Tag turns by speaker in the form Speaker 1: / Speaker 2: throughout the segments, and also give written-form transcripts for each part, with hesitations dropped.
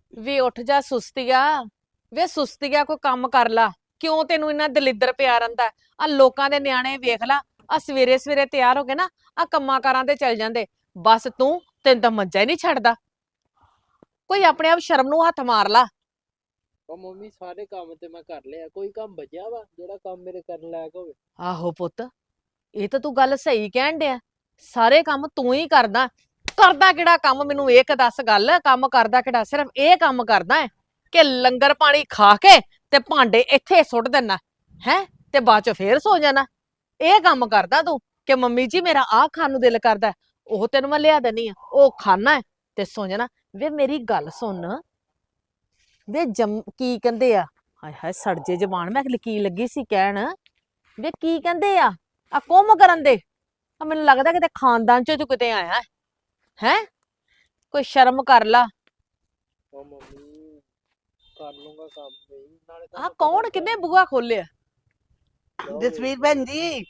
Speaker 1: ਵੇ ਉੱਠ ਜਾ ਸੁਸਤੀਆ। ਵੇ ਸੁਸਤੀਆ ਕੋਈ ਕੰਮ ਕਰ ਲਾ। ਕਿਉਂ ਤੈਨੂੰ ਇੰਨਾ ਦਲਿੱਦਰ ਪਿਆ ਰਹਿੰਦਾ? ਆ ਲੋਕਾਂ ਦੇ ਨਿਆਣੇ ਵੇਖ ਲਾ, ਆ ਸਵੇਰੇ ਸਵੇਰੇ ਤਿਆਰ ਹੋ ਕੇ ਨਾ ਆ ਕੰਮਾਂ ਕਾਰਾਂ ਤੇ ਚੱਲ ਜਾਂਦੇ। ਬਸ ਤੈਨੂੰ ਤਾਂ ਮੱਝਾ ਹੀ ਨਹੀਂ ਛੱਡਦਾ। ਕੋਈ ਆਪਣੇ ਆਪ ਸ਼ਰਮ ਨੂੰ ਹੱਥ ਮਾਰ ਲਾ।
Speaker 2: ਉਹ ਮੰਮੀ ਸਾਰੇ ਕੰਮ ਤੇ ਮੈਂ ਕਰ ਲਿਆ, ਕੋਈ ਕੰਮ ਬਚਿਆ ਵਾ ਜਿਹੜਾ ਕੰਮ ਮੇਰੇ ਕਰਨ ਲਾਇਕ ਹੋਵੇ?
Speaker 1: ਆਹੋ ਪੁੱਤ, ਇਹ ਤਾਂ ਤੂੰ ਗੱਲ ਸਹੀ ਕਹਿਣ ਡਿਆ। ਸਾਰੇ ਕੰਮ ਤੂੰ ਹੀ ਕਰਦਾ। ਕਰਦਾ ਕਿਹੜਾ ਕੰਮ? ਮੈਨੂੰ ਇੱਕ ਦੱਸ ਗੱਲ, ਕੰਮ ਕਰਦਾ ਕਿਹੜਾ? ਸਿਰਫ ਇਹ ਕੰਮ ਕਰਦਾ ਹੈ ਕਿ ਲੰਗਰ ਪਾਣੀ ਖਾ ਕੇ ਤੇ ਭਾਂਡੇ ਇੱਥੇ ਸੁੱਟ ਦੇਣਾ ਹੈ ਤੇ ਬਾਅਦ ਚ ਫੇਰ ਸੋ ਜਾਣਾ। ਇਹ ਕੰਮ ਕਰਦਾ ਤੂੰ ਕਿ ਮੰਮੀ ਜੀ ਮੇਰਾ ਆਹ ਖਾਣ ਨੂੰ ਦਿਲ ਕਰਦਾ, ਉਹ ਤੈਨੂੰ ਮੈਂ ਲਿਆ ਦੇਣੀ ਆ, ਉਹ ਖਾਣਾ ਹੈ ਤੇ ਸੋ ਜਾਣਾ। ਵੇ ਮੇਰੀ ਗੱਲ ਸੁਣ, ਵੇ ਕੀ ਕਹਿੰਦੇ ਆ, ਹਾਏ ਹਾਏ ਸੜਜੇ ਜ਼ਬਾਨ, ਮੈਂ ਕੀ ਲੱਗੀ ਸੀ ਕਹਿਣ। ਵੇ ਕੀ ਕਹਿੰਦੇ ਆ ਕੁੰਮ ਕਰਨ ਦੇ? ਆ ਮੈਨੂੰ ਲੱਗਦਾ ਕਿਤੇ ਖਾਨਦਾਨ ਚੋਂ ਤੂੰ ਕਿਤੇ ਆਇਆ ਹੈ। ਕੋਈ ਸ਼ਰਮ ਕਰ ਲਾ।
Speaker 2: ਉਹ ਮੰਮੀ ਕਰ ਲੂੰਗਾ ਕੰਮ ਵੀ, ਨਾਲੇ
Speaker 1: ਆ
Speaker 2: ਤੁਹਾਨੂੰ
Speaker 1: ਕੌਣ
Speaker 2: ਪਤਾ
Speaker 1: ਕਿੰਨੇ ਬੂਹਾ ਖੋਲਿਆ?
Speaker 3: ਜਸਵੀਰ ਭੈਣ ਜੀ,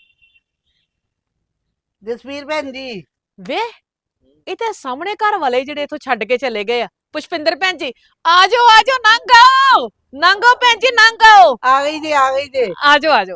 Speaker 3: ਜਸਵੀਰ ਭੈਣ ਜੀ।
Speaker 1: ਵੇ ਇਹ ਤਾਂ ਸਾਹਮਣੇ ਘਰ ਵਾਲੇ ਜਿਹੜੇ ਇਥੋਂ ਛੱਡ ਕੇ ਚਲੇ ਗਏ ਆ। ਪੁਸ਼ਪਿੰਦਰ ਭੈਣ ਜੀ ਆ ਜਾਓ ਨੰਗੋ ਨੰਗੋ ਭੈਣ ਜੀ ਨੰਗੋ।
Speaker 3: ਆ ਗਈ ਜੀ, ਆ ਗਈ ਜੀ।
Speaker 1: ਆ ਜਾਓ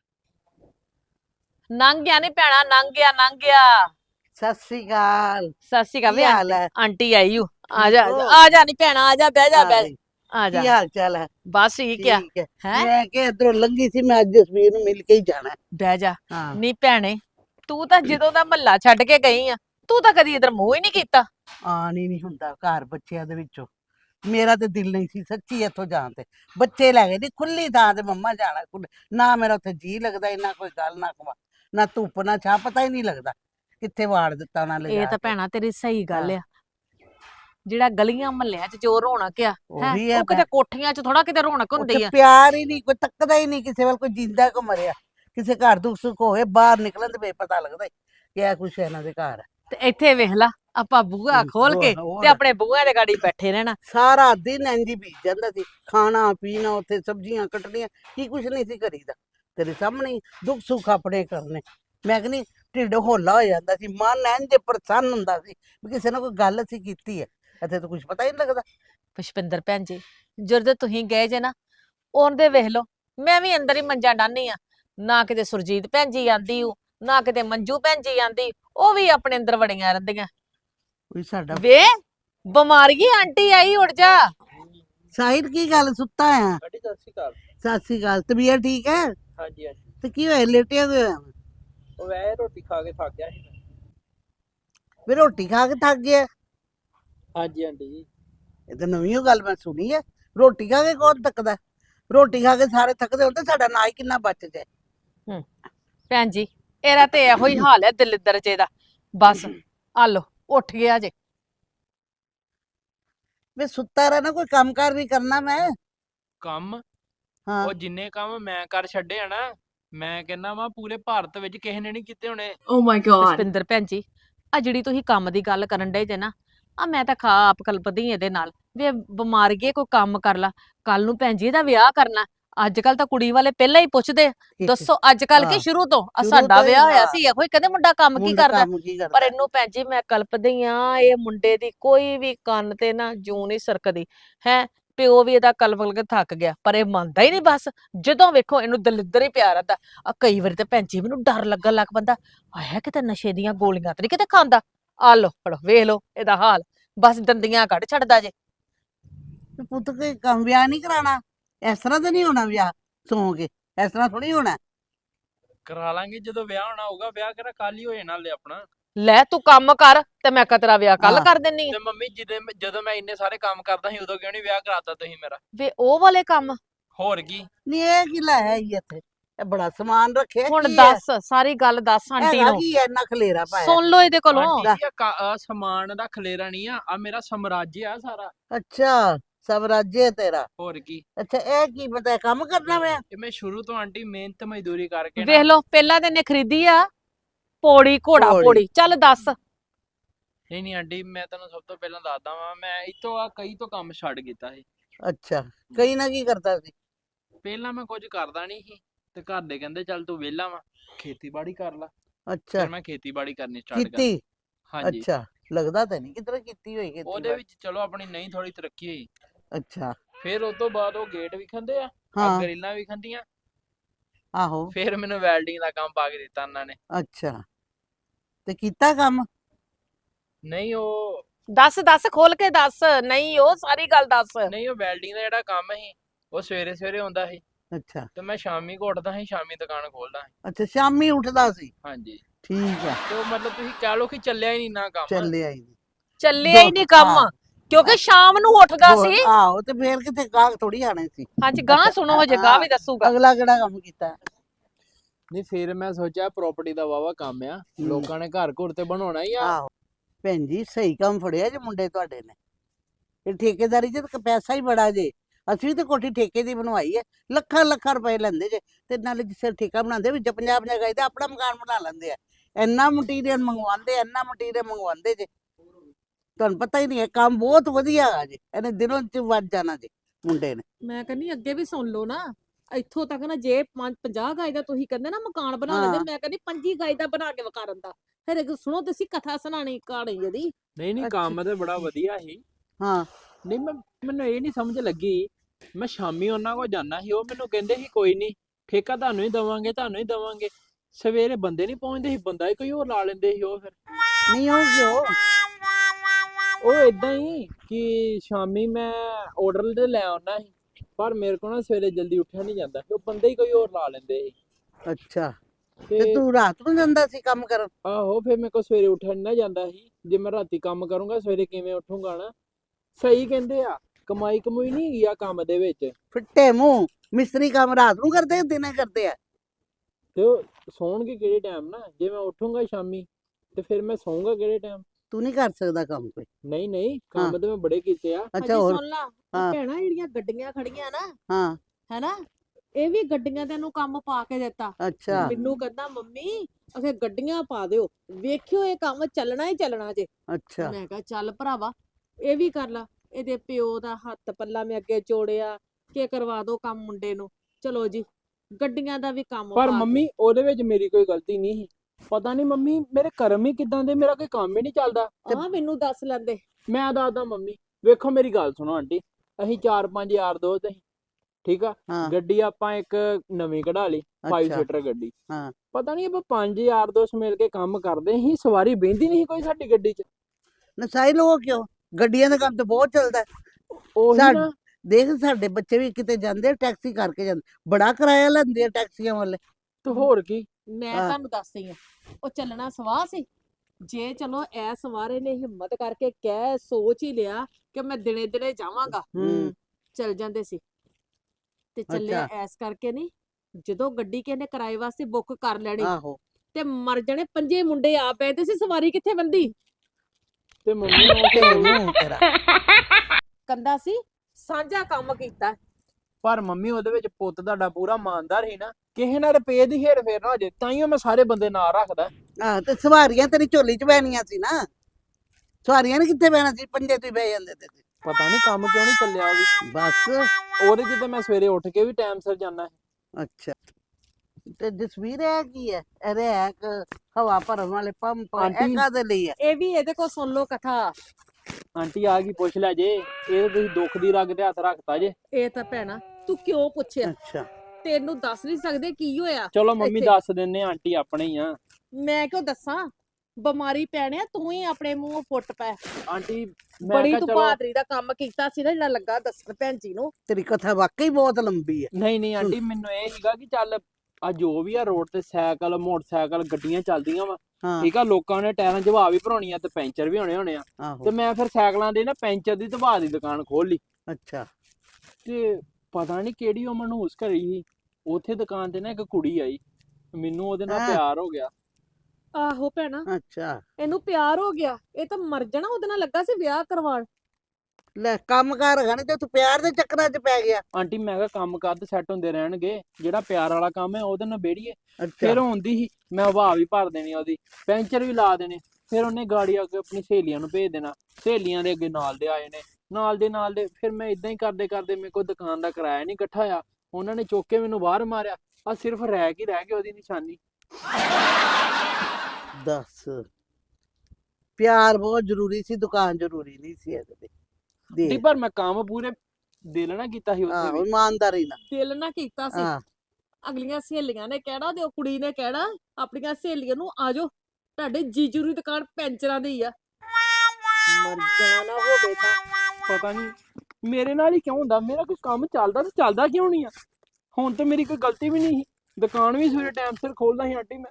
Speaker 1: ਨੰਗ ਗਿਆ ਨੀ ਭੈਣਾ, ਨੰਗ ਗਿਆ।
Speaker 3: ਸਤਿ ਸ੍ਰੀ ਅਕਾਲ।
Speaker 1: ਸਤਿ ਸ਼੍ਰੀ ਅਕਾਲ
Speaker 3: ਕੀ
Speaker 1: ਵੇ
Speaker 3: ਹਾਲ ਹੈ?
Speaker 1: ਆਂਟੀ ਆਈ ਹੂ। ਆ ਜਾ
Speaker 3: ਠੀਕ ਹੋ?
Speaker 1: ਆ ਜਾ ਨੀ ਭੈਣਾ, ਆ ਜਾ ਬਹਿ ਜਾ ਆ
Speaker 3: ਕੀ
Speaker 1: ਜਾ।
Speaker 3: ਹਾਲ ਚਾਲ ਹੈ?
Speaker 1: ਬਸ ਠੀਕ ਆ।
Speaker 3: ਠੀਕ ਹੈ।
Speaker 1: ਹੈ
Speaker 3: ਮੈਂ ਕਿ ਇਧਰੋਂ ਲੰਗੀ ਸੀ, ਮੈਂ ਅੱਜ ਜਸਵੀਰ ਨੂੰ ਮਿਲ ਕੇ ਹੀ ਜਾਣਾ ਹੈ।
Speaker 1: ਬਹਿ ਜਾ।
Speaker 3: ਹਾਂ।
Speaker 1: ਨੀ ਭੈਣੇ ਤੂੰ ਤਾਂ ਜਦੋਂ ਦਾ ਮਹੱਲਾ ਛੱਡ ਕੇ ਗਈ ਆ, ਤੂੰ ਤਾਂ ਕਦੀ ਇਧਰ ਮੂੰਹ ਹੀ ਨਹੀਂ ਕੀਤਾ।
Speaker 3: ਨਹੀਂ ਹੁੰਦਾ ਘਰ ਬੱਚਿਆਂ ਦੇ ਵਿੱਚੋਂ। ਮੇਰਾ ਤੇ ਦਿਲ ਨਹੀਂ ਸੀ ਸੱਚੀ ਇੱਥੋਂ ਜਾਣ ਤੇ। ਬੱਚੇ ਲੈ ਗਏ ਨੀ ਖੁੱਲੀ ਥਾਂ ਤੇ ਮੰਮਾ ਜਾਣਾ ਨਾ, ਮੇਰਾ ਉੱਥੇ ਜੀ ਲੱਗਦਾ, ਇੰਨਾ ਕੋਈ ਗੱਲ ਨਾ ਕਮਾ, ਨਾ ਧੁੱਪ ਨਾ ਛਾਂ, ਪਤਾ ਹੀ ਨਹੀਂ ਲੱਗਦਾ ਕਿੱਥੇ ਵਾੜ ਦਿੱਤਾ ਉਹਨਾਂ ਲੈ
Speaker 1: ਇਹ
Speaker 3: ਜਾ
Speaker 1: ਤਾਂ
Speaker 3: ਕੇ।
Speaker 1: ਭੈਣਾ ਤੇਰੀ ਸਹੀ ਗੱਲ
Speaker 3: ਹਾਂ।
Speaker 1: ਆ। ਜਿਹੜਾ ਗਲੀਆਂ ਮਹੱਲਿਆਂ 'ਚ ਜੋ ਰੌਣਕ ਆ ਹੈ,
Speaker 3: ਉਹੀ ਹੈ
Speaker 1: ਉਹ ਕਿਤੇ ਕੋਠੀਆਂ 'ਚ ਥੋੜਾ ਕਿਤੇ ਰੌਣਕ ਹੁੰਦੀ
Speaker 3: ਉੱਥੇ
Speaker 1: ਆ।
Speaker 3: ਪਿਆਰ ਹੀ ਨਹੀਂ, ਕੋਈ ਤੱਕਦਾ ਹੀ ਨਹੀਂ ਕਿਸੇ ਵੱਲ, ਕੋਈ ਜਿੰਦਾ ਕੋ ਮਰਿਆ। ਕਿਸੇ ਘਰ ਦੁੱਖ ਸੁੱਖ ਹੋਵੇ, ਬਾਹਰ ਨਿਕਲਣ ਤੇ ਪਤਾ ਲੱਗਦਾ ਕਿ ਇਹ ਕੁਛ ਇਹਨਾਂ ਦੇ ਘਰ ਹੈ।
Speaker 1: ਤੇ ਇੱਥੇ ਵੇਖ ਲਾ, ਆਪਾਂ ਬੂਹਾ ਖੋਲ ਕੇ
Speaker 3: ਹੋਰ
Speaker 1: ਤੇ ਆਪਣੇ ਬੂਹਿਆਂ ਦੇ ਗਾੜੀ ਬੈਠੇ ਰਹਿਣਾ।
Speaker 3: ਸਾਰਾ ਦਿਨ ਇੰਝ ਹੀ ਬੀਤ ਜਾਂਦਾ ਸੀ, ਖਾਣਾ ਪੀਣਾ, ਉੱਥੇ ਸਬਜ਼ੀਆਂ ਕੱਟਣੀਆਂ, ਕੀ ਕੁਛ ਨਹੀਂ ਸੀ ਕਰੀਦਾ। ਤੇਰੇ ਸਾਹਮਣੇ ਹੀ ਦੁੱਖ ਸੁੱਖ ਆਪਣੇ ਕਰਨੇ। ਮੈਂ ਕਹਿੰਦੀ ਢਿੱਡ ਹੌਲਾ ਹੋ ਜਾਂਦਾ ਸੀ, ਮਨ ਇੰਝ ਪ੍ਰਸੰਨ ਹੁੰਦਾ ਸੀ ਵੀ ਕਿਸੇ ਨਾਲ ਕੋਈ ਗੱਲ ਅਸੀਂ ਕੀਤੀ ਹੈ। ਇੱਥੇ ਤਾਂ ਕੁਛ ਪਤਾ ਹੀ ਨਹੀਂ ਲੱਗਦਾ।
Speaker 1: ਪੁਸ਼ਪਿੰਦਰ ਭੈਣ ਜੀ ਜਦੋਂ ਤੁਸੀਂ ਗਏ ਜੇ ਨਾ, ਉਹਦੇ ਵੇਖ ਲਓ ਮੈਂ ਵੀ ਅੰਦਰ ਹੀ ਮੰਜਾ ਡਾਹਨੀ ਆ। ਨਾ ਕਿਤੇ ਸੁਰਜੀਤ ਭੈਣ ਜੀ ਆਂਦੀ ਹੂ, ਨਾ ਕਿਤੇ ਮੰਜੂ ਭੈਣ ਜੀ ਆਂਦੀ, ਉਹ ਵੀ ਆਪਣੇ ਅੰਦਰ ਵੜੀਆਂ ਰਹਿੰਦੀਆਂ।
Speaker 3: ਕੋਈ ਸਾਡਾ
Speaker 1: ਵੇ ਬਿਮਾਰੀ ਆਂਟੀ ਆਈ, ਉੱਠ ਜਾ।
Speaker 3: ਸਾਹਿਲ, ਕੀ ਗੱਲ ਸੁੱਤਾ ਆ?
Speaker 2: ਆਂਟੀ ਸਤਿ ਸ਼੍ਰੀ ਅਕਾਲ।
Speaker 3: ਸਤਿ ਸ੍ਰੀ ਅਕਾਲ। ਤਬੀਅਤ ਠੀਕ ਹੈ?
Speaker 2: ਹਾਂਜੀ ਹਾਂਜੀ।
Speaker 3: ਤੇ ਕੀ ਹੋਇਆ, ਲੇਟਿਆ ਹੋਇਆ?
Speaker 2: ਉਹ ਵੈਸੇ ਰੋਟੀ ਖਾ ਕੇ ਥੱਕ ਗਿਆ ਸੀ ਮੈਂ।
Speaker 3: ਵੀ ਰੋਟੀ ਖਾ ਕੇ ਥੱਕ ਗਿਆ?
Speaker 2: ਹਾਂਜੀ ਆਂਟੀ ਜੀ।
Speaker 3: ਇਹ ਤਾਂ ਨਵੀਂ ਓ ਗੱਲ ਮੈਂ ਸੁਣੀ ਹੈ। ਰੋਟੀ ਖਾ ਕੇ ਕੌਣ ਥੱਕਦਾ? ਰੋਟੀ ਖਾ ਕੇ ਸਾਰੇ ਥੱਕਦੇ ਹੁੰਦੇ, ਸਾਡਾ ਨਾ ਹੀ ਕਿੰਨਾ ਬਚ ਜਾਏ।
Speaker 1: ਭੈਣ ਜੀ ਇਹਦਾ ਤੇ ਇਹੋ ਹੀ ਹਾਲ ਹੈ ਦਲਿੱਦਰ ਜੇ ਦਾ। ਬਸ ਆ ਲੋ ਉੱਠ ਗਿਆ ਜੇ।
Speaker 3: ਵੇ ਸੁੱਤਾ ਰਹਿਣਾ, ਕੋਈ ਕੰਮ ਕਾਰ ਵੀ ਕਰਨਾ ਮੈਂ।
Speaker 2: ਕੰਮ
Speaker 3: ਹਾਂ।
Speaker 2: ਉਹ ਜਿੰਨੇ ਕੰਮ ਮੈਂ ਕਰ ਛੱਡੇ ਆ ਨਾ, ਮੈਂ ਕਹਿੰਦਾ ਵਾ ਪੂਰੇ ਭਾਰਤ ਵਿੱਚ ਕਿਸੇ ਨੇ ਨਹੀਂ ਕੀਤੇ ਹੋਣੇ।
Speaker 1: ਪੁਸ਼ਪਿੰਦਰ ਭੈਣ ਜੀ ਆ ਜਿਹੜੀ ਤੁਸੀਂ ਕੰਮ ਦੀ ਗੱਲ ਕਰਨ ਡੇ ਜੇ ਨਾ, ਆ ਮੈਂ ਤਾਂ ਆਪ ਕਲਪਦੀ ਇਹਦੇ ਨਾਲ ਵੀ ਬਿਮਾਰੀਏ ਕੋਈ ਕੰਮ ਕਰ ਲਾ। ਕੱਲ ਨੂੰ ਭੈਣ ਜੀ ਇਹਦਾ ਵਿਆਹ ਕਰਨਾ, ਅੱਜ ਕੱਲ ਤਾਂ ਕੁੜੀ ਵਾਲੇ ਪਹਿਲਾਂ ਹੀ ਪੁੱਛਦੇ ਆ, ਦੱਸੋ ਅੱਜ ਕੱਲ ਕੀ
Speaker 3: ਹਾਂ।
Speaker 1: ਸ਼ੁਰੂ ਤੋਂ? ਆ
Speaker 3: ਸ਼ੁਰੂ
Speaker 1: ਸਾਡਾ
Speaker 3: ਤੋਂ ਹੀ,
Speaker 1: ਵਿਆਹ ਹੋਇਆ
Speaker 3: ਹਾਂ।
Speaker 1: ਸੀ ਇਹੋ ਹੀ ਕਹਿੰਦੇ ਮੁੰਡਾ ਕੰਮ ਕੀ
Speaker 3: ਮੁੰਡਾ
Speaker 1: ਕਰਦਾ।
Speaker 3: ਕੰਮ ਕੀ
Speaker 1: ਪਰ
Speaker 3: ਕਰਦਾ?
Speaker 1: ਇਹਨੂੰ ਭੈਣ ਜੀ ਮੈਂ ਕਲਪਦੀ ਆ, ਇਹ ਮੁੰਡੇ ਦੀ ਕੋਈ ਵੀ ਕੰਨ ਤੇ ਨਾ ਜੂੰ ਨਹੀਂ ਸਰਕਦੀ ਹੈ। ਪਿਓ ਵੀ ਇਹਦਾ ਕਲਪ ਕੇ ਥੱਕ ਗਿਆ, ਪਰ ਇਹ ਮੰਨਦਾ ਹੀ ਨਹੀਂ। ਬਸ ਜਦੋਂ ਵੇਖੋ ਇਹਨੂੰ ਦਲਿੱਦਰ ਹੀ ਪਿਆ ਰਹਿੰਦਾ। ਆ ਕਈ ਵਾਰੀ ਤਾਂ ਭੈਣ ਜੀ ਮੈਨੂੰ ਡਰ ਲੱਗਣ ਲੱਗ ਪੈਂਦਾ, ਆਇਆ ਕਿਤੇ ਨਸ਼ੇ ਦੀਆਂ ਗੋਲੀਆਂ ਤੇ ਨਹੀਂ ਕਿਤੇ ਖਾਂਦਾ। ਆ ਲੋ ਫੜੋ ਵੇਖ ਲੋ ਇਹਦਾ ਹਾਲ, ਬਸ ਦੰਦੀਆਂ ਕੱਢ ਛੱਡਦਾ ਜੇ।
Speaker 3: ਤੇ ਪੁੱਤ ਕੋਈ ਕੰਮ ਵਿਆਹ ਨਹੀਂ ਕਰਾਣਾ? ਇਸ ਤਰ੍ਹਾਂ ਤਾਂ ਨਹੀਂ ਹੋਣਾ ਵਿਆਹ ਸੌਂ ਕੇ, ਇਸ ਤਰ੍ਹਾਂ ਥੋੜੀ ਹੋਣਾ।
Speaker 2: ਕਰਾ ਲਾਂਗੇ ਜਦੋਂ ਵਿਆਹ ਹੋਣਾ ਹੋਊਗਾ। ਵਿਆਹ ਕਿਹੜਾ ਕੱਲ ਹੀ ਹੋ ਜਾਣਾ ਹਲੇ ਆਪਣਾ।
Speaker 1: ਲੈ ਤੂੰ ਕੰਮ ਕਰ ਤੇ ਮੈਂ ਤੇਰਾ ਵਿਆਹ ਕੱਲ
Speaker 3: ਹਾਂ।
Speaker 1: ਕਰ ਦਿੰਨੀ ਆ।
Speaker 2: ਤੇ ਮੰਮੀ ਜਦੋਂ ਮੈਂ ਇੰਨੇ ਸਾਰੇ ਕੰਮ ਕਰਦਾ ਸੀ, ਉਦੋਂ ਕਿਉਂ ਨਹੀਂ ਵਿਆਹ ਕਰਾਤਾ ਤੁਸੀਂ ਮੇਰਾ?
Speaker 1: ਵੇ ਉਹ ਵਾਲੇ ਕੰਮ
Speaker 2: ਹੋਰ ਕੀ।
Speaker 3: ਨਹੀਂ, ਇਹ ਕੀ ਲਾਇਆ ਈ ਇੱਥੇ? ਇਹ ਬੜਾ ਸਮਾਨ ਰੱਖਿਆ
Speaker 1: ਹੁਣ
Speaker 3: ਕੀ ਹੈ?
Speaker 1: ਦੱਸ, ਸਾਰੀ ਗੱਲ ਦੱਸ ਆਂਟੀ
Speaker 3: ਹੈਗਾ
Speaker 1: ਨੂੰ।
Speaker 3: ਕੀ ਹੈ, ਇੰਨਾ ਖਲੇਰਾ ਪਾਇਆ?
Speaker 1: ਸੁਣ ਲੋ ਇਹਦੇ ਕੋਲੋਂ।
Speaker 2: ਆਂਟੀ ਜੀ ਆਹ ਸਮਾਨ ਦਾ ਖਲੇਰਾ ਨਹੀਂ ਆ ਮੇਰਾ ਸਾਮਰਾਜ ਆ ਸਾਰਾ।
Speaker 3: ਅੱਛਾ, ਸਭ ਰਾਜੇ ਤੇਰਾ।
Speaker 2: ਹੋਰ ਕੀ।
Speaker 3: ਅੱਛਾ, ਇਹ ਕੀ ਪਤਾ ਕੰਮ ਕਰਨਾ ਮੈਂ?
Speaker 2: ਇਹ ਮੈਂ ਸ਼ੁਰੂ ਤੋਂ ਆਂਟੀ ਮਿਹਨਤ ਮਜ਼ਦੂਰੀ ਕਰਕੇ
Speaker 1: ਵੇਖ ਲੋ ਪਹਿਲਾਂ ਤੇ ਇਹਨੇ ਖਰੀਦੀ ਆ ਪੌੜੀ, ਘੋੜਾ
Speaker 3: ਪੌੜੀ।
Speaker 1: ਪੌੜੀ। ਚੱਲ ਦੱਸ।
Speaker 2: ਨਹੀਂ ਆਂਟੀ, ਮੈਂ ਤੁਹਾਨੂੰ ਸਭ ਤੋਂ ਪਹਿਲਾਂ ਦੱਸਦਾ ਵਾਂ, ਮੈਂ ਇਤੋਂ ਆ ਕਈ ਤੋਂ ਕੰਮ ਛੱਡ ਕੀਤਾ ਸੀ।
Speaker 3: ਅੱਛਾ, ਕਈ ਨਾ ਕੀ ਕਰਦਾ ਸੀ?
Speaker 2: ਪਹਿਲਾਂ ਮੈਂ ਕੁਝ ਕਰਦਾ ਨਹੀਂ ਸੀ, ਤੇ ਘਰ ਦੇ ਕਹਿੰਦੇ ਚੱਲ ਤੂੰ ਵਿਹਲਾ ਵਾ, ਖੇਤੀਬਾੜੀ ਕਰ ਲਾ।
Speaker 3: ਅੱਛਾ,
Speaker 2: ਫਿਰ ਮੈਂ ਖੇਤੀਬਾੜੀ ਕਰਨੀ ਸਟਾਰਟ ਕਰ।
Speaker 3: ਕੀਤੀ?
Speaker 2: ਹਾਂਜੀ।
Speaker 3: ਅੱਛਾ, ਲੱਗਦਾ ਤਾਂ ਨਹੀਂ ਕਿਧਰ ਕੀਤੀ ਹੋਈ
Speaker 2: ਉਹਦੇ
Speaker 3: ਖੇਤੀ।
Speaker 2: ਵਿੱਚ ਚਲੋ ਆਪਣੀ ਨਹੀਂ ਥੋੜੀ ਤਰੱਕੀ ਹੋਈ,
Speaker 3: ਅੱਛਾ
Speaker 2: ਫਿਰ ਉਸ ਤੋਂ ਬਾਅਦ ਉਹ ਗੇਟ ਵੀ ਖੰਦੇ ਆ
Speaker 3: ਹਾਂ
Speaker 2: ਗਰਿੱਲਾਂ ਵੀ ਖੰਦੀਆਂ।
Speaker 3: ਆਹੋ
Speaker 2: ਫਿਰ ਮੈਨੂੰ ਵੈਲਡਿੰਗ ਦਾ ਕੰਮ ਪਾ ਕੇ ਦਿੱਤਾ ਉਹਨਾਂ ਨੇ।
Speaker 3: ਅੱਛਾ ਤੇ ਕੀਤਾ ਕੰਮ?
Speaker 2: ਨਹੀਂ ਉਹ
Speaker 1: ਦੱਸ ਖੋਲ ਕੇ ਦੱਸ, ਨਹੀਂ ਉਹ ਸਾਰੀ ਗੱਲ ਦੱਸ।
Speaker 2: ਨਹੀਂ ਉਹ ਵੈਲਡਿੰਗ ਦਾ ਜਿਹੜਾ ਕੰਮ ਸੀ ਉਹ ਸਵੇਰੇ ਸਵੇਰੇ ਹੁੰਦਾ ਸੀ
Speaker 3: ਅੱਛਾ
Speaker 2: ਤੇ ਮੈਂ ਸ਼ਾਮੀ ਘੁੱਟਦਾ ਉੱਠਦਾ ਸੀ, ਸ਼ਾਮੀ ਦੁਕਾਨ ਖੋਲਦਾ ਸੀ।
Speaker 3: ਅੱਛਾ ਸ਼ਾਮੀ ਉੱਠਦਾ ਸੀ।
Speaker 2: ਹਾਂਜੀ
Speaker 3: ਠੀਕ ਆ
Speaker 2: ਤੇ ਉਹ ਮਤਲਬ ਤੁਸੀਂ ਕਹਿ ਲਓ ਕਿ ਚੱਲਿਆ ਹੀ ਨਹੀਂ ਨਾ ਕੰਮ।
Speaker 3: ਚੱਲਿਆ ਹੀ ਨੀ।
Speaker 1: ਚੱਲਿਆ ਹੀ ਨਹੀਂ ਕੰਮ,
Speaker 3: ਹਾਂ।
Speaker 1: ਕਿਉਂਕਿ ਸ਼ਾਮ ਨੂੰ ਉੱਠਦਾ
Speaker 3: ਹੋਰ,
Speaker 1: ਸੀ।
Speaker 3: ਆਹੋ ਤੇ ਫੇਰ ਕਿਤੇ ਗਾਹਕ ਥੋੜੀ ਆਣੇ ਸੀ।
Speaker 1: ਹਾਂਜੀ ਗਾਂ ਸੁਣੋ, ਹਜੇ ਗਾਂ ਵੀ ਦੱਸੂਗਾ।
Speaker 3: ਅਗਲਾ ਕਿਹੜਾ ਕੰਮ ਕੀਤਾ?
Speaker 2: ਨਹੀਂ ਫਿਰ ਮੈਂ ਸੋਚਿਆ ਪ੍ਰਾਪਰਟੀ ਦਾ ਵਾਵਾ ਕੰਮ ਆ, ਲੋਕਾਂ ਨੇ ਘਰ ਘੁਰ ਤੇ ਬਣਾਉਣਾ ਹੀ ਆ।
Speaker 3: ਆਹੋ ਭੈਣ ਜੀ ਸਹੀ ਕੰਮ ਫੜਿਆ ਜੇ ਮੁੰਡੇ ਤੁਹਾਡੇ ਨੇ। ਇਹ ਠੇਕੇਦਾਰੀ ਚ ਤਾਂ ਪੈਸਾ ਹੀ ਬੜਾ ਜੇ। ਅਸੀਂ ਵੀ ਤੇ ਕੋਠੀ ਠੇਕੇ ਦੀ ਬਣਵਾਈ ਹੈ, ਲੱਖਾਂ ਲੱਖਾਂ ਰੁਪਏ ਲੈਂਦੇ ਜੇ। ਤੇ ਨਾਲੇ ਜਿਸੇ ਠੇਕਾ ਬਣਾਉਂਦੇ ਵਿੱਚ 50 ਗਏ ਤੇ ਆਪਣਾ ਮਕਾਨ ਬਣਾ ਲੈਂਦੇ ਆ। ਇੰਨਾ ਮਟੀਰੀਅਲ ਮੰਗਵਾਉਂਦੇ ਜੇ, ਤੁਹਾਨੂੰ ਪਤਾ ਹੀ ਨਹੀਂ ਹੈ। ਕੰਮ ਬਹੁਤ ਵਧੀਆ ਆ ਜੇ, ਇਹਨੇ ਦਿਨੋਂ ਚ ਵੱਜ ਜਾਣਾ ਜੇ ਮੁੰਡੇ ਨੇ।
Speaker 1: ਮੈਂ ਕਹਿੰਨੀ ਅੱਗੇ ਵੀ ਸੁਣ ਲਓ ਨਾ, ਇੱਥੋਂ ਤੱਕ ਨਾ ਜੇ 50 ਗਾਇ ਦਾ ਤੁਸੀਂ ਕਹਿੰਦੇ ਨਾ ਮਕਾਨ ਬਣਾ ਲੈਂਦੇ,
Speaker 3: ਹਾਂ।
Speaker 1: ਮੈਂ ਕਹਿੰਦੀ 25 ਗਾਇ ਦਾ ਬਣਾ ਕੇ ਵਿਖਾ ਦਿੰਦਾ। ਫਿਰ ਇੱਕ ਸੁਣੋ ਤੁਸੀਂ ਕਥਾ ਸੁਣਾਣੀ ਕਹਾਣੀ ਇਹਦੀ।
Speaker 2: ਨਹੀਂ
Speaker 3: ਅੱਛਾ।
Speaker 2: ਕੰਮ ਤੇ ਬੜਾ ਵਧੀਆ ਸੀ।
Speaker 3: ਹਾਂ
Speaker 2: ਨਹੀਂ ਮੈਨੂੰ ਇਹ ਨਹੀਂ ਸਮਝ ਲੱਗੀ, ਮੈਂ ਸ਼ਾਮੀ ਉਹਨਾਂ ਕੋਲ ਜਾਣਾ ਸੀ, ਉਹ ਮੈਨੂੰ ਕਹਿੰਦੇ ਸੀ ਕੋਈ ਨਹੀਂ ਠੇਕਾ ਤੁਹਾਨੂੰ ਹੀ ਦਵਾਂਗੇ। ਸਵੇਰੇ ਬੰਦੇ ਨਹੀਂ ਪਹੁੰਚਦੇ ਸੀ, ਬੰਦਾ ਹੀ ਕੋਈ ਹੋਰ ਲਾ ਲੈਂਦੇ ਸੀ ਉਹ। ਫਿਰ
Speaker 3: ਨਹੀਂ ਉਹ ਕਿਉਂ?
Speaker 2: ਉਹ ਇਦਾਂ ਹੀ ਕਿ ਸ਼ਾਮੀ ਮੈਂ ਆਰਡਰ ਤੇ ਲੈ ਆਉਣਾ ਸੀ, ਪਰ ਮੇਰੇ ਕੋਲ ਨਾ ਸਵੇਰੇ ਜਲਦੀ ਉੱਠਿਆ ਨਹੀਂ ਜਾਂਦਾ ਸੀ, ਉਹ ਬੰਦੇ ਹੀ ਕੋਈ ਹੋਰ ਲਾ ਲੈਂਦੇ ਸੀ।
Speaker 3: ਅੱਛਾ ਤੇ
Speaker 2: ਤੇ
Speaker 3: ਤੂੰ ਰਾਤ ਨੂੰ ਜਾਂਦਾ ਸੀ ਕੰਮ ਕਰਨ?
Speaker 2: ਆਹੋ ਫਿਰ ਮੇਰੇ ਕੋਲ ਸਵੇਰੇ ਉੱਠਿਆ ਨੀ ਨਾ ਜਾਂਦਾ ਸੀ, ਜੇ ਮੈਂ ਰਾਤੀ ਕੰਮ ਕਰੂੰਗਾ ਸਵੇਰੇ ਕਿਵੇਂ ਉੱਠੂੰਗਾ ਨਾ। ਸਹੀ ਕਹਿੰਦੇ ਆ, ਕਮਾਈ ਨਹੀਂ ਹੈਗੀ ਆ ਕੰਮ ਦੇ ਵਿੱਚ।
Speaker 3: ਫਿੱਟੇ ਮੂੰਹ ਮਿਸਤਰੀ ਕੰਮ ਰਾਤ ਨੂੰ ਕਰਦੇ ਆ ਦਿਨੇ ਕਰਦੇ ਆ?
Speaker 2: ਤੇ ਉਹ ਸੌਣਗੇ ਕਿਹੜੇ ਟਾਈਮ ਨਾ, ਜੇ ਮੈਂ ਉੱਠੂੰਗਾ ਸ਼ਾਮੀ ਤੇ ਫਿਰ ਮੈਂ ਸੌਂਗਾ ਕਿਹੜੇ ਟਾਈਮ?
Speaker 3: ਤੂੰ ਨਹੀਂ ਕਰ ਸਕਦਾ ਕੰਮ ਕੋਈ?
Speaker 2: ਨਹੀਂ ਕੰਮ ਤੇ ਮੈਂ ਬੜੇ ਕੀਤੇ ਆ।
Speaker 3: ਅੱਛਾ ਹੋਰ?
Speaker 1: ਸੁਣ ਲਾ
Speaker 3: ਹਾਂ।
Speaker 1: ਭੈਣਾ, ਜਿਹੜੀਆਂ ਗੱਡੀਆਂ ਖੜੀਆਂ ਨਾ,
Speaker 3: ਹਾਂ
Speaker 1: ਹੈਨਾ, ਇਹ ਵੀ ਗੱਡੀਆਂ ਤੈਨੂੰ ਕੰਮ ਪਾ ਕੇ ਦਿੱਤਾ।
Speaker 3: ਅੱਛਾ
Speaker 1: ਮੈਨੂੰ ਕਹਿੰਦਾ ਮੰਮੀ ਅਖੇ ਗੱਡੀਆਂ ਪਾ ਦਿਓ, ਵੇਖਿਓ ਇਹ ਕੰਮ ਚੱਲਣਾ ਹੀ ਚੱਲਣਾ ਜੇ।
Speaker 3: ਅੱਛਾ
Speaker 1: ਮੈਂ ਕਿਹਾ ਚੱਲ ਭਰਾਵਾ ਇਹ ਵੀ ਕਰ ਲਾ। ਇਹਦੇ ਪਿਓ ਦਾ ਹੱਥ ਪੱਲਾ ਮੈਂ ਅੱਗੇ ਜੋੜਿਆ ਕਿ ਕਰਵਾ ਦੋ ਕੰਮ ਮੁੰਡੇ ਨੂੰ। ਚਲੋ ਜੀ ਗੱਡੀਆਂ ਦਾ ਵੀ ਕੰਮ
Speaker 2: ਪਰ
Speaker 1: ਪਾ
Speaker 2: ਮੰਮੀ ਉਹਦੇ ਵਿੱਚ ਮੇਰੀ ਕੋਈ ਗਲਤੀ ਨਹੀਂ ਸੀ। ਪਤਾ ਨਹੀਂ ਮੰਮੀ ਮੇਰੇ ਕਰਮ ਹੀ ਕਿਦਾਂ ਦੇ, ਮੇਰਾ ਕੋਈ ਕੰਮ ਹੀ ਨਹੀਂ ਚੱਲਦਾ।
Speaker 1: ਆ ਮੈਨੂੰ ਦੱਸ ਲੈਂਦੇ।
Speaker 2: ਮੈਂ ਦੱਸਦਾ ਮੰਮੀ, ਵੇਖੋ ਮੇਰੀ ਗੱਲ ਸੁਣੋ ਆਂਟੀ, ਅਸੀਂ 4-5 ਯਾਰ ਦੋਸਤ ਸੀ, ਠੀਕ ਆ।
Speaker 3: ਹਾਂ
Speaker 2: ਗੱਡੀ ਆਪਾਂ ਇੱਕ ਨਵੀਂ ਕਢਾ ਲਈ, 5
Speaker 3: ਅੱਛਾ।
Speaker 2: ਸੀਟਰ ਗੱਡੀ।
Speaker 3: ਹਾਂ
Speaker 2: ਪਤਾ ਨਹੀਂ ਆਪਾਂ 5 ਯਾਰ ਦੋਸਤ ਮਿਲ ਕੇ ਕੰਮ ਕਰਦੇ ਸੀ, ਸਵਾਰੀ ਬਹਿੰਦੀ ਨਹੀਂ ਸੀ ਕੋਈ ਸਾਡੀ ਗੱਡੀ 'ਚ।
Speaker 3: ਨਸਾਈ ਲੋਕ ਕਿਉਂ? ਗੱਡੀਆਂ ਦਾ ਕੰਮ ਤਾਂ ਬਹੁਤ ਚੱਲਦਾ ਹੈ।
Speaker 2: ਉਹੀ
Speaker 3: ਸਾ-
Speaker 2: ਨਾ।
Speaker 3: ਦੇਖ ਸਾਡੇ ਬੱਚੇ ਵੀ ਕਿਤੇ ਜਾਂਦੇ ਆ, ਟੈਕਸੀ ਕਰਕੇ ਜਾਂਦੇ, ਬੜਾ ਕਿਰਾਇਆ ਲੈਂਦੇ ਆ ਟੈਕਸੀਆਂ ਵਾਲੇ।
Speaker 2: ਤੇ ਹੋਰ ਕੀ।
Speaker 1: ਮੈਂ
Speaker 3: ਹਾਂ।
Speaker 1: ਤੁਹਾਨੂੰ ਦੱਸਦੀ ਆ, ਉਹ ਚੱਲਣਾ ਸਵਾਹ ਸੀ। ਜੇ ਚਲੋ ਐ ਸਵਾਰੇ ਨੇ ਹਿੰਮਤ ਕਰਕੇ ਕਹਿ ਸੋਚ ਹੀ ਲਿਆ ਕਿ ਮੈਂ ਦਿਨੇ ਦਿਨੇ ਜਾਵਾਂਗਾ,
Speaker 3: ਹੂੰ
Speaker 1: ਚੱਲ ਜਾਂਦੇ ਸੀ। ਤੇ ਚੱਲਿਆ ਐਸ ਕਰਕੇ ਨਹੀਂ, ਜਦੋਂ ਗੱਡੀ ਕਿਸੇ ਨੇ ਕਿਰਾਏ ਵਾਸਤੇ ਬੁੱਕ ਕਰ ਲੈਣੀ
Speaker 3: ਆਹੋ
Speaker 1: ਤੇ ਮਰ ਜਾਣੇ 5 ਮੁੰਡੇ ਆ ਪੈਂਦੇ ਸੀ, ਸਵਾਰੀ ਕਿੱਥੇ ਬੰਦੀ।
Speaker 2: ਤੇ ਮੰਮੀ ਨੂੰ
Speaker 3: ਤੇ ਮੂੰਹ ਤੇਰਾ।
Speaker 1: ਕੰਦਾ ਸੀ ਸਾਂਝਾ ਕੰਮ ਕੀਤਾ।
Speaker 2: ਪਰ ਮੰਮੀ ਉਹਦੇ ਵਿੱਚ ਪੁੱਤ ਤੁਹਾਡਾ ਪੂਰਾ ਇਮਾਨਦਾਰ ਸੀ ਨਾ, ਕਿਸੇ ਨਾਲ ਰੁਪਏ ਦੀ ਹੇਰ ਫੇਰ ਨਾ ਹੋ ਜੇ, ਤਾਈਓ ਮੈਂ ਸਾਰੇ ਬੰਦੇ ਨਾਲ ਰੱਖਦਾ।
Speaker 3: ਆਹ ਤੇ ਸਵਾਰੀਆਂ ਤੇਰੀ ਝੋਲੀ ਚ ਬਹਿਣੀਆਂ ਸੀ ਨਾ, ਸਵਾਰੀਆਂ ਨੇ ਕਿੱਥੇ ਬਹਿਣਾ ਸੀ, ਪੰਜੇ ਤੋਂ ਹੀ ਬਹਿ ਜਾਂਦੇ ਤੇ।
Speaker 2: ਪਤਾ ਨਹੀਂ ਕੰਮ ਕਿਉਂ ਨਹੀਂ ਚੱਲਿਆ ਉਹ ਵੀ।
Speaker 3: ਬਸ
Speaker 2: ਉਹਦੇ ਜਿੱਦਾਂ ਮੈਂ ਸਵੇਰੇ ਉੱਠ ਕੇ ਵੀ ਟਾਈਮ ਸਿਰ ਜਾਣਾ।
Speaker 3: ਅੱਛਾ ਤੇ ਜਸਵੀਰ ਹੈ ਕੀ ਹੈ? ਇਹ ਰੈਕ ਹਵਾ ਭਰਨ ਵਾਲੇ ਪੰਪ ਇਹ
Speaker 2: ਆਂਟੀ-
Speaker 3: ਕਾਹਦੇ ਲਈ ਹੈ?
Speaker 1: ਇਹ ਵੀ ਇਹਦੇ ਕੋਲ ਸੁਣ ਲਓ ਕਥਾ।
Speaker 2: ਆਂਟੀ ਆ ਗਈ ਪੁੱਛ ਲੈ ਜੇ, ਇਹ ਤੁਸੀਂ ਦੁੱਖ ਦੀ ਰਗ ਤੇ ਹੱਥ ਰੱਖਤਾ ਜੇ।
Speaker 1: ਇਹ ਤਾਂ ਭੈਣਾ ਤੂੰ ਕਿਉਂ ਪੁੱਛਿਆ?
Speaker 3: ਅੱਛਾ
Speaker 1: ਤੈਨੂੰ ਦੱਸ ਨਹੀਂ ਸਕਦੇ ਕੀ ਹੋਇਆ।
Speaker 2: ਚਲੋ ਮੰਮੀ
Speaker 1: ਇੱਥੇ।
Speaker 2: ਦੱਸ ਦਿੰਨੇ, ਆਂਟੀ ਆਪਣੇ ਹੀ ਆ।
Speaker 1: ਮੈਂ ਕਿਉਂ ਦੱਸਾਂ? ਬਿਮਾਰੀ ਪੈਣਿਆ ਤੂੰ ਹੀ ਆਪਣੇ ਮੂੰਹ ਫੁੱਟ ਪੈ।
Speaker 2: ਆਂਟੀ ਮੈਂ
Speaker 1: ਬੜੀ
Speaker 2: ਕਿਹਾ
Speaker 1: ਤੂੰ
Speaker 2: ਚਲੋ।
Speaker 1: ਬਹਾਦਰੀ ਦਾ ਕੰਮ ਕੀਤਾ ਸੀ ਨਾ, ਜਿਹੜਾ ਲੱਗਾ ਦੱਸਣ ਭੈਣ ਜੀ ਨੂੰ।
Speaker 3: ਤੇਰੀ ਕਥਾ ਵਾਕਈ ਬਹੁਤ ਲੰਬੀ ਹੈ।
Speaker 2: ਨਹੀਂ ਆਂਟੀ, ਮੈਨੂੰ ਇਹ ਸੀਗਾ ਕਿ ਚੱਲ ਆ ਜੋ ਵੀ ਆ ਰੋਡ ਤੇ ਸਾਈਕਲ ਮੋਟਰਸਾਈਕਲ ਗੱਡੀਆਂ ਚੱਲਦੀਆਂ ਵਾ,
Speaker 3: ਹਾਂ
Speaker 2: ਠੀਕ ਆ। ਲੋਕਾਂ ਨੇ ਟਾਇਰਾਂ 'ਚ ਹਵਾ ਵੀ ਭਰਾਉਣੀ ਆ ਤੇ ਪੈਂਚਰ ਵੀ ਹੋਣੇ ਆ।
Speaker 3: ਆਹੋ
Speaker 2: ਤੇ ਮੈਂ ਫਿਰ ਸਾਈਕਲਾਂ ਦੇ ਨਾ ਪੈਂਚਰ ਦੀ ਤੇ ਹਵਾ ਦੀ ਦੁਕਾਨ ਖੋਲ ਲਈ।
Speaker 3: ਅੱਛਾ
Speaker 2: ਤੇ ਪਤਾ ਨਹੀਂ ਕਿਹੜੀ ਉਹ ਮਨਹੂਸ ਘੜੀ ਸੀ, ਉੱਥੇ ਦੁਕਾਨ ਤੇ ਨਾ ਇੱਕ ਕੁੜੀ ਆਈ, ਮੈਨੂੰ ਉਹਦੇ ਨਾਲ
Speaker 3: ਹੈਂ?
Speaker 2: ਪਿਆਰ ਹੋ ਗਿਆ।
Speaker 1: ਆਹੋ ਭੈਣਾ,
Speaker 3: ਅੱਛਾ
Speaker 1: ਇਹਨੂੰ ਪਿਆਰ ਹੋ ਗਿਆ। ਇਹ ਤਾਂ ਮਰ ਜਾਣਾ, ਉਹਦੇ ਨਾਲ ਲੱਗਾ ਸੀ ਵਿਆਹ ਕਰਵਾਉਣ।
Speaker 3: ਲੈ ਕੰਮ ਕਾਰ ਹੈਗਾ ਨੀ ਤੇ ਤੂੰ ਪਿਆਰ ਦੇ ਚੱਕਰਾਂ 'ਚ ਪੈ ਗਿਆ।
Speaker 2: ਆਂਟੀ ਮੈਂ ਕਿਹਾ ਕੰਮ ਕੱਦ ਸੈੱਟ ਹੁੰਦੇ ਰਹਿਣਗੇ, ਜਿਹੜਾ ਪਿਆਰ ਵਾਲਾ ਕੰਮ ਹੈ ਉਹਦੇ ਨਾਲ ਬੇੜੀਏ।
Speaker 3: ਅੱਛਾ
Speaker 2: ਫਿਰ ਹੁੰਦੀ ਸੀ, ਮੈਂ ਹਵਾ ਵੀ ਭਰ ਦੇਣੀ ਉਹਦੀ, ਪੈਂਚਰ ਵੀ ਲਾ ਦੇਣੇ। ਫਿਰ ਉਹਨੇ ਗਾੜੀ ਅੱਗੇ ਆਪਣੀ ਸਹੇਲੀਆਂ ਨੂੰ ਭੇਜ ਦੇਣਾ, ਸਹੇਲੀਆਂ ਦੇ ਅੱਗੇ ਨਾਲ ਦੇ ਆਏ ਨੇ, ਨਾਲ ਦੇ। ਫਿਰ ਮੈਂ ਇਦਾਂ ਹੀ ਕਰਦੇ ਕਰਦੇ ਮੇਰੇ ਕੋਲ ਦੁਕਾਨ ਦਾ ਕਿਰਾਇਆ ਨਹੀਂ ਇਕੱਠਾ ਆ, ਉਹਨਾਂ ਨੇ ਚੁੱਕ ਕੇ ਮੈਨੂੰ ਬਾਹਰ ਮਾਰਿਆ। ਆ ਸਿਰਫ ਰਹਿ ਗਈ ਉਹਦੀ ਨਿਸ਼ਾਨੀ।
Speaker 3: ਦੱਸ ਪਿਆਰ ਬਹੁਤ ਜ਼ਰੂਰੀ ਸੀ, ਦੁਕਾਨ ਜ਼ਰੂਰੀ ਨਹੀਂ ਸੀ ਇਹਦੇ ਤੇ।
Speaker 2: ਨਹੀਂ
Speaker 3: ਦੇਖ
Speaker 2: ਪਰ ਮੈਂ ਕੰਮ ਪੂਰੇ ਦਿਲ ਨਾ ਕੀਤਾ ਸੀ ਉੱਥੇ
Speaker 3: ਆਹੋ
Speaker 2: ਵੀ।
Speaker 3: ਇਮਾਨਦਾਰੀ ਨਾਲ।
Speaker 1: ਦਿਲ ਨਾ ਕੀਤਾ ਸੀ।
Speaker 3: ਹਾਂ
Speaker 1: ਅਗਲੀਆਂ ਸਹੇਲੀਆਂ ਨੇ ਕਹਿਣਾ ਤੇ ਉਹ ਕੁੜੀ ਨੇ ਕਹਿਣਾ ਆਪਣੀਆਂ ਸਹੇਲੀਆਂ ਨੂੰ ਆਜੋ ਤੁਹਾਡੇ ਜੀਜੂ ਦੀ ਦੁਕਾਨ ਪੈਂਚਰਾਂ ਦੀ ਆ। ਮਰ ਜਾਣਾ ਨਾ ਹੋਵੇ ਤਾਂ।
Speaker 2: ਪਤਾ ਨਹੀਂ ਮੇਰੇ ਨਾਲ ਹੀ ਕਿਉਂ ਹੁੰਦਾ, ਮੇਰਾ ਕੋਈ ਕੰਮ ਚੱਲਦਾ ਤੇ ਚੱਲਦਾ ਕਿਉਂ ਨਹੀਂ ਆ। ਹੁਣ ਤਾਂ ਮੇਰੀ ਕੋਈ ਗਲਤੀ ਵੀ ਨਹੀਂ ਸੀ, ਦੁਕਾਨ ਵੀ ਸਵੇਰੇ ਟਾਈਮ ਸਿਰ ਖੋਲਦਾ ਸੀ ਆਂਟੀ ਮੈਂ।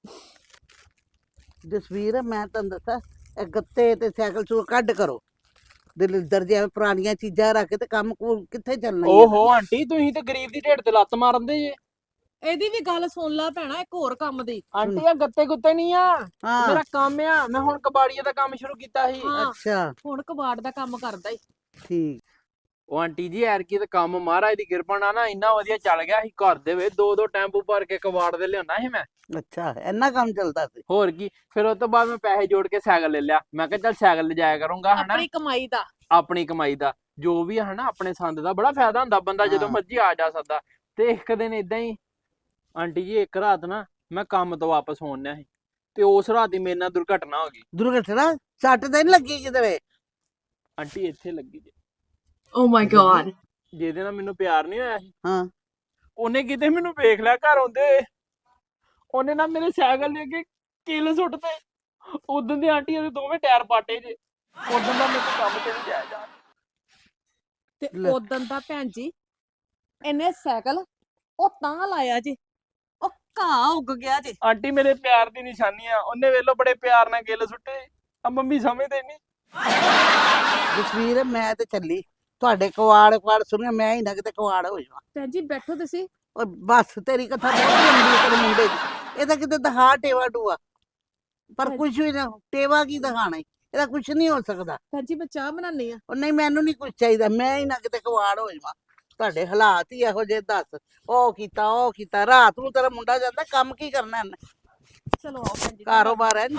Speaker 3: ਜਸਵੀਰ ਮੈਂ ਤੁਹਾਨੂੰ ਦੱਸਾਂ, ਇਹ ਗੱਤੇ ਤੇ ਸਾਈਕਲ ਚੋਂ ਕੱਢ ਕਰੋ। ਦਲਿੱਦਰ ਜਿਹਾ ਪੁਰਾਣੀਆਂ ਚੀਜ਼ਾਂ ਰੱਖ ਕੇ ਤੇ ਕੰਮ ਕਿੱਥੇ ਚੱਲਣਾ ਈ ਆ।
Speaker 2: ਓਹੋ ਆਂਟੀ ਤੁਸੀਂ ਤੇ ਗਰੀਬ ਦੀ ਢਿੱਡ ਤੇ ਲੱਤ ਮਾਰਦੇ ਜੇ।
Speaker 1: ਇਹਦੀ ਵੀ ਗੱਲ ਸੁਣ ਲੈ ਭੈਣਾ ਇੱਕ ਹੋਰ ਕੰਮ ਦੀ।
Speaker 2: ਆਂਟੀ ਆ ਗੱਤੇ ਗੁੱਤੇ ਨਹੀਂ ਆ,
Speaker 3: ਹਾਂ
Speaker 2: ਮੇਰਾ ਕੰਮ ਆ। ਮੈਂ ਹੁਣ ਕਬਾੜੀਏ ਦਾ ਕੰਮ ਸ਼ੁਰੂ ਕੀਤਾ ਸੀ।
Speaker 1: ਹਾਂ
Speaker 3: ਅੱਛਾ
Speaker 1: ਹੁਣ ਕਬਾੜ ਦਾ ਕੰਮ ਕਰਦਾ ਈ।
Speaker 3: ਠੀਕ।
Speaker 2: ਉਹ ਆਂਟੀ ਜੀ ਐਰਕੀ ਤੇ ਕੰਮ ਮਹਾਰਾਜ ਦੀ ਕਿਰਪਾ ਨਾਲ ਨਾ ਇੰਨਾ ਵਧੀਆ ਚੱਲ ਗਿਆ ਸੀ, ਘਰ ਦੇ ਵਿੱਚ 2-2 ਟੈਂਪੂ ਭਰ ਕੇ ਕਬਾੜ ਦੇ ਲਿਆਉਣਾ ਸੀ ਮੈਂ।
Speaker 3: ਅੱਛਾ ਇੰਨਾ ਕੰਮ ਚੱਲਦਾ ਸੀ।
Speaker 2: ਹੋਰ ਕੀ, ਫਿਰ ਉਸ ਤੋਂ ਬਾਅਦ ਮੈਂ ਪੈਸੇ ਜੋੜ ਕੇ ਸਾਈਕਲ ਲੈ ਲਿਆ। ਮੈਂ ਕਿਹਾ ਚੱਲ ਸਾਈਕਲ ਲਿਜਾਇਆ ਕਰੂੰਗਾ ਹਨਾ,
Speaker 1: ਆਪਣੀ ਕਮਾਈ ਦਾ।
Speaker 2: ਆਪਣੀ ਕਮਾਈ ਦਾ ਜੋ ਵੀ ਆ ਹਨਾ। ਆਪਣੇ ਸੰਦ ਦਾ ਬੜਾ ਫਾਇਦਾ ਹੁੰਦਾ, ਬੰਦਾ ਜਦੋਂ
Speaker 3: ਹਾਂ।
Speaker 2: ਮਰਜ਼ੀ ਆ ਜਾ ਸਕਦਾ। ਤੇ ਇੱਕ ਦਿਨ ਇਦਾਂ ਹੀ ਆਂਟੀ ਜੀ ਇੱਕ ਰਾਤ ਨਾ ਮੈਂ ਕੰਮ ਤੋਂ ਵਾਪਸ ਆਉਣਿਆ ਸੀ ਤੇ ਉਸ ਰਾਤ ਹੀ ਮੇਰੇ ਨਾਲ ਦੁਰਘਟਨਾ ਹੋ ਗਈ।
Speaker 3: ਦੁਰਘਟਨਾ? ਸੱਟ ਤਾਂ ਨਹੀਂ ਲੱਗੀ ਕਿਤੇ?
Speaker 2: ਆਂਟੀ ਇੱਥੇ ਲੱਗੀ ਜੇ,
Speaker 1: ਓ ਮਾਈ ਗॉड।
Speaker 2: ਜਿਹਦੇ ਨਾਲ ਮੈਨੂੰ ਪਿਆਰ ਨਹੀਂ ਹੋਇਆ ਸੀ,
Speaker 3: ਹਾਂ
Speaker 2: ਉਹਨੇ ਕਿਤੇ ਮੈਨੂੰ ਵੇਖ ਲਿਆ ਘਰ ਆਉਂਦੇ ਹੋਏ। ਉਹਨੇ ਨਾ ਮੇਰੇ ਸਾਈਕਲ ਦੇ ਅੱਗੇ ਕਿੱਲ ਸੁੱਟਤੇ। ਉਦੋਂ ਦੇ ਆਂਟੀ ਉਹਦੇ ਦੋਵੇਂ ਟਾਇਰ ਪਾਟੇ ਜੇ। ਉਦੋਂ ਦਾ ਮੇਰੇ ਕੋਲ ਕੰਮ ਤੇ ਨਹੀਂ ਜਾਇਆ ਜਾ।
Speaker 1: ਤੇ
Speaker 3: ਲੈ।
Speaker 1: ਉਦੋਂ ਦਾ ਭੈਣ ਜੀ ਇਹਨੇ ਸਾਈਕਲ ਉਹ ਤਾਂ ਲਾਇਆ ਜੀ, ਉਹ ਘਾਹ ਉੱਗ ਗਿਆ ਜੀ।
Speaker 2: ਆਂਟੀ ਮੇਰੇ ਪਿਆਰ ਦੀ ਨਿਸ਼ਾਨੀ ਆ। ਉਹਨੇ ਵੇਲੋ ਬੜੇ ਪਿਆਰ ਨਾਲ ਗਿੱਲ ਸੁੱਟੇ। ਆ ਮੰਮੀ ਸਮਝਦੇ ਨਹੀਂ।
Speaker 3: ਜਸਵੀਰ ਮੈਂ ਤੇ ਚੱਲੀ, ਤੁਹਾਡੇ ਕਵਾੜ ਸੁਣਿਆ ਮੈਂ ਹੀ ਨਾ ਕਿਤੇ ਕਵਾੜ ਹੋ ਜਾਵਾਂ।
Speaker 1: ਭੈਣ ਜੀ ਬੈਠੋ ਤੁਸੀਂ।
Speaker 3: ਉਹ ਬਸ ਤੇਰੀ ਕਥਾ ਬਹੁਤ ਲੰਬੀ ਹੈ ਤੇਰੇ ਮੁੰਡੇ ਦੀ। ਇਹ ਤਾਂ ਕਿਤੇ ਦਹਾ ਟੇਵਾ ਟੂਆ, ਪਰ ਕੁਝ ਵੀ ਨਾ ਟੇਵਾ ਕੀ ਦਿਖਾਣਾ ਈ? ਇਹਦਾ ਕੁਝ ਨਹੀਂ ਹੋ ਸਕਦਾ।
Speaker 1: ਭੈਣ ਜੀ ਮੈਂ ਚਾਹ ਬਣਾਉਣੀ ਆ।
Speaker 3: ਉਹ ਨਹੀਂ ਮੈਨੂੰ ਨਹੀਂ ਕੁਝ ਚਾਹੀਦਾ, ਮੈਂ ਹੀ ਨਾ ਕਿਤੇ ਕਵਾੜ ਹੋ ਜਾਵਾਂ। ਤੁਹਾਡੇ ਹਾਲਾਤ ਹੀ ਇਹੋ ਜਿਹੇ, ਦੱਸ ਉਹ ਕੀਤਾ ਰਾਤ ਨੂੰ ਤੇਰਾ ਮੁੰਡਾ ਜਾਂਦਾ ਕੰਮ ਕੀ ਕਰਨਾ ਇਹਨੇ?
Speaker 1: ਚਲੋ ਆਓ ਭੈਣ ਜੀ।
Speaker 3: ਕਾਰੋਬਾਰ ਹੈ ਨੀ।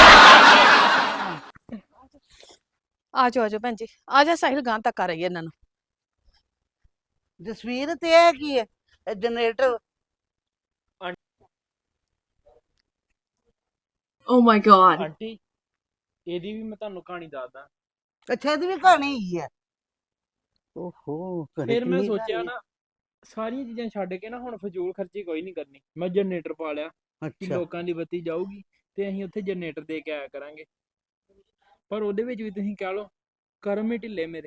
Speaker 1: ਆਜੋ ਆਜੋ ਭੈਣ ਜੀ, ਆ ਜਾ ਸਾਹਿਲ ਗਾਂ ਤੱਕ ਆ ਰਹੀ ਹੈ ਇਹਨਾਂ ਨੂੰ।
Speaker 3: ਜਸਵੀਰ ਤੇ ਇਹ ਕੀ ਹੈ? ਇਹ generator?
Speaker 1: Oh my God.
Speaker 2: Aunty ਇਹਦੀ ਵੀ ਮੈਂ ਤੁਹਾਨੂੰ ਕਹਾਣੀ ਦੱਸਦਾ।
Speaker 3: ਅੱਛਾ ਇਹਦੀ ਵੀ ਕਹਾਣੀ ਹੀ ਹੈ? ਓਹੋ
Speaker 2: ਫਿਰ ਮੈਂ ਸੋਚਿਆ ਨਾ ਸਾਰੀਆਂ ਚੀਜ਼ਾਂ ਛੱਡ ਕੇ ਨਾ ਹੁਣ ਫਜ਼ੂਲ ਖਰਚੀ ਕੋਈ ਨਹੀਂ ਕਰਨੀ। ਮੈਂ ਜਨਰੇਟਰ ਪਾ ਲਿਆ ਕਿ
Speaker 3: ਅੱਛਾ
Speaker 2: ਲੋਕਾਂ ਦੀ ਬੱਤੀ ਜਾਊਗੀ ਤੇ ਅਸੀਂ ਉੱਥੇ ਜਨਰੇਟਰ ਦੇ ਕੇ ਆਇਆ ਕਰਾਂਗੇ। ਪਰ ਉਹਦੇ ਵਿੱਚ ਵੀ ਤੁਸੀਂ ਕਹਿ ਲਓ ਕਰਮ ਹੀ ਢਿੱਲੇ ਮੇਰੇ।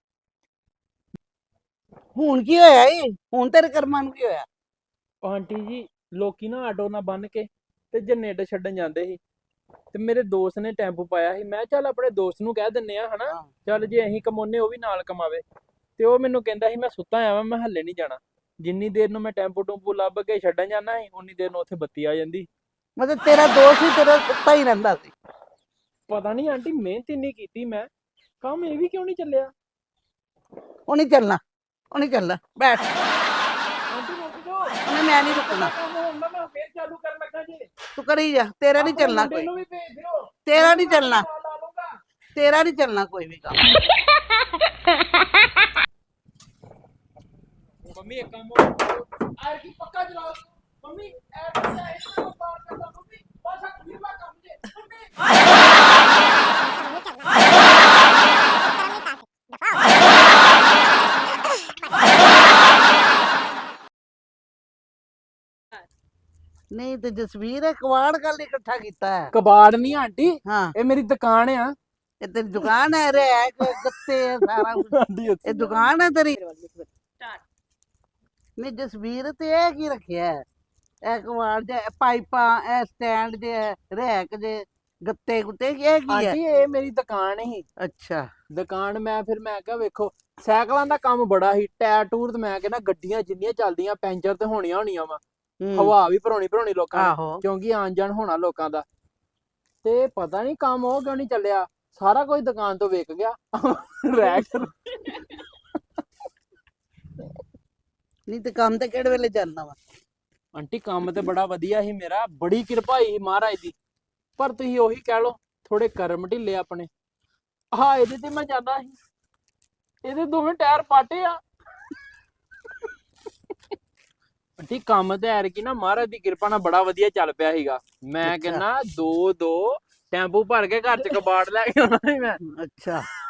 Speaker 3: ਹੁਣ ਕੀ ਹੋਇਆ ਏ? ਹੁਣ ਤੇਰੇ ਕਰਮਾਂ ਨੂੰ ਕੀ ਹੋਇਆ?
Speaker 2: ਉਹ ਆਂਟੀ ਜੀ ਲੋਕੀ ਨਾ ਆਟੋ ਨਾਲ ਬੰਨ ਕੇ ਤੇ ਜਨਰੇਟਰ ਛੱਡਣ ਜਾਂਦੇ ਸੀ ਤੇ ਮੇਰੇ ਦੋਸਤ ਨੇ ਟੈਂਪੂ ਪਾਇਆ ਸੀ। ਮੈਂ ਚੱਲ ਆਪਣੇ ਦੋਸਤ ਨੂੰ ਕਹਿ ਦਿੰਨੇ ਆ ਹਨਾ,
Speaker 3: ਹਾਂ।
Speaker 2: ਚੱਲ ਜੇ ਅਸੀਂ ਕਮਾਉਨੇ ਉਹ ਵੀ ਨਾਲ ਕਮਾਵੇ। ਤੇ ਉਹ ਮੈਨੂੰ ਕਹਿੰਦਾ ਸੀ ਮੈਂ ਸੁੱਤਾ ਆਵਾਂ, ਮੈਂ ਹੱਲੇ ਨਹੀਂ ਜਾਣਾ। ਜਿੰਨੀ ਦੇਰ ਨੂੰ ਮੈਂ ਟੈਂਪੂ ਟੂੰਪੂ ਲੱਭ ਕੇ ਛੱਡਣ ਜਾਂਦਾ ਸੀ ਉਨੀ ਦੇਰ ਨੂੰ ਉੱਥੇ ਬੱਤੀ ਆ ਜਾਂਦੀ।
Speaker 3: ਮਤਲਬ ਤੇਰਾ ਦੋਸਤ ਹੀ ਤੇਰਾ ਸੁੱਤਾ ਹੀ ਰਹਿੰਦਾ ਸੀ?
Speaker 2: ਪਤਾ ਨਹੀਂ ਆਂਟੀ ਮਿਹਨਤ ਇੰਨੀ ਕੀਤੀ ਮੈਂ, ਕੰਮ ਇਹ ਵੀ ਕਿਉਂ ਨਹੀਂ ਚੱਲਿਆ।
Speaker 3: ਉਹ ਨਹੀਂ ਚੱਲਣਾ, ਉਹ ਨਹੀਂ ਚੱਲਣਾ, ਬੈਠ।
Speaker 2: ਆਂਟੀ ਰੁਕ ਜਾਓ,
Speaker 3: ਉਹਨੇ ਮੈਂ ਨਹੀਂ ਰੁਕਣਾ।
Speaker 2: ਕੰਮ ਹੁੰਦਾ ਮੈਂ ਫੇਰ ਚਾਲੂ ਕਰਨ ਲੱਗਾ ਜੀ।
Speaker 3: ਤੂੰ ਕਰੀ ਜਾ, ਤੇਰਾ ਨਹੀਂ ਚੱਲਣਾ
Speaker 2: ਮੁੰਡੇ
Speaker 3: ਕੋਈ।
Speaker 2: ਨੂੰ ਵੀ ਭੇਜ ਦਿਓ,
Speaker 3: ਤੇਰਾ ਨਹੀਂ ਚੱਲਣਾ,
Speaker 2: ਲਾ ਲੂੰਗਾ।
Speaker 3: ਤੇਰਾ ਨਹੀਂ ਚੱਲਣਾ ਕੋਈ ਵੀ ਕੰਮ।
Speaker 2: ਮੰਮੀ ਇੱਕ ਕੰਮ ਹੋਰ ਆਰ ਕੀ ਪੱਕਾ ਚਲਾਓ। ਮੰਮੀ ਐ ਬੱਚਾ ਇਸ ਨੂੰ ਪਾਰ ਕਰਦਾ। ਮੰਮੀ ਬਸ ਆ ਖੁੱਲਾ ਕੰਮ ਜੇ ਮੰਮੀ।
Speaker 3: ਨਹੀਂ ਤੇ ਜਸਵੀਰ ਇਹ ਕਵਾੜ ਕੱਲ ਇਕੱਠਾ ਕੀਤਾ ਹੈ?
Speaker 2: ਕਬਾੜ ਨਹੀਂ ਆਂਟੀ,
Speaker 3: ਹਾਂ
Speaker 2: ਇਹ ਮੇਰੀ ਦੁਕਾਨ ਆ।
Speaker 3: ਇਹ ਤੇਰੀ ਦੁਕਾਨ ਹੈ? ਰੈਕ ਗੱਤੇ ਸਾਰਾ ਕੁਛ
Speaker 2: ਆਂਟੀ
Speaker 3: ਇਹ ਦੁਕਾਨ ਹੈ ਤੇਰੀ? ਨਹੀਂ ਜਸਵੀਰ ਤੇ ਇਹ ਕੀ ਰੱਖਿਆ ਹੈ? ਇਹ ਕਵਾੜ ਦੇ ਪਾਈਪਾਂ, ਇਹ ਸਟੈਂਡ ਜੇ, ਰੈਕ ਜੇ, ਗੱਤੇ ਗੁੱਤੇ, ਇਹ ਕੀ ਹੈ?
Speaker 2: ਆਂਟੀ ਇਹ ਮੇਰੀ ਦੁਕਾਨ ਹੀ
Speaker 3: ਅੱਛਾ
Speaker 2: ਦੁਕਾਨ। ਮੈਂ ਕਿਹਾ ਵੇਖੋ ਸਾਈਕਲਾਂ ਦਾ ਕੰਮ ਬੜਾ ਸੀ, ਟਾਇਰ ਟੂਰ ਤੇ ਮੈਂ ਕਹਿੰਦਾ ਗੱਡੀਆਂ ਜਿੰਨੀਆਂ ਚੱਲਦੀਆਂ ਪੈਂਚਰ ਤੇ ਹੋਣੀਆਂ ਵਾ।
Speaker 3: ਹੂੰ,
Speaker 2: ਹਵਾ ਵੀ ਭਰਾਉਣੀ ਲੋਕਾਂ ਨੇ,
Speaker 3: ਆਹੋ
Speaker 2: ਕਿਉਂਕਿ ਆਣ ਜਾਣ ਹੋਣਾ ਲੋਕਾਂ ਦਾ। ਤੇ ਪਤਾ ਨਹੀਂ ਕੰਮ ਉਹ ਕਿਉਂ ਨਹੀਂ ਚੱਲਿਆ, ਸਾਰਾ ਕੁਝ ਦੁਕਾਨ ਤੋਂ ਵਿਕ ਗਿਆ। ਰੈਕ
Speaker 3: ਨਹੀਂ ਤੇ ਕੰਮ ਤੇ ਕਿਹੜੇ ਵੇਲੇ ਜਾਂਦਾ ਵਾ?
Speaker 2: ਆਂਟੀ ਕੰਮ ਤੇ ਬੜਾ ਵਧੀਆ ਸੀ ਮੇਰਾ, ਬੜੀ ਕਿਰਪਾ ਸੀ ਮਹਾਰਾਜ ਦੀ। ਪਰ ਤੁਸੀਂ ਉਹੀ ਕਹਿ ਲਓ ਥੋੜੇ ਕਰਮ ਢਿੱਲੇ ਆਪਣੇ। ਹਾਂ ਇਹਦੇ ਤੇ ਮੈਂ ਜਾਂਦਾ ਸੀ, ਇਹਦੇ ਦੋਵੇਂ ਟਾਇਰ ਪਾਟੇ ਆ। ਆਂਟੀ ਕੰਮ ਤੇ ਐਰਕੀ ਨਾ ਮਹਾਰਾਜ ਦੀ ਕਿਰਪਾ ਨਾਲ ਬੜਾ ਵਧੀਆ ਚੱਲ ਪਿਆ ਸੀਗਾ। ਮੈਂ
Speaker 3: ਅੱਛਾ।
Speaker 2: ਕਹਿੰਦਾ 2 ਟੈਂਪੂ ਭਰ ਕੇ ਘਰ ਚ ਕਬਾੜ ਲੈ ਕੇ ਆਉਣਾ ਸੀ ਮੈਂ।
Speaker 3: ਅੱਛਾ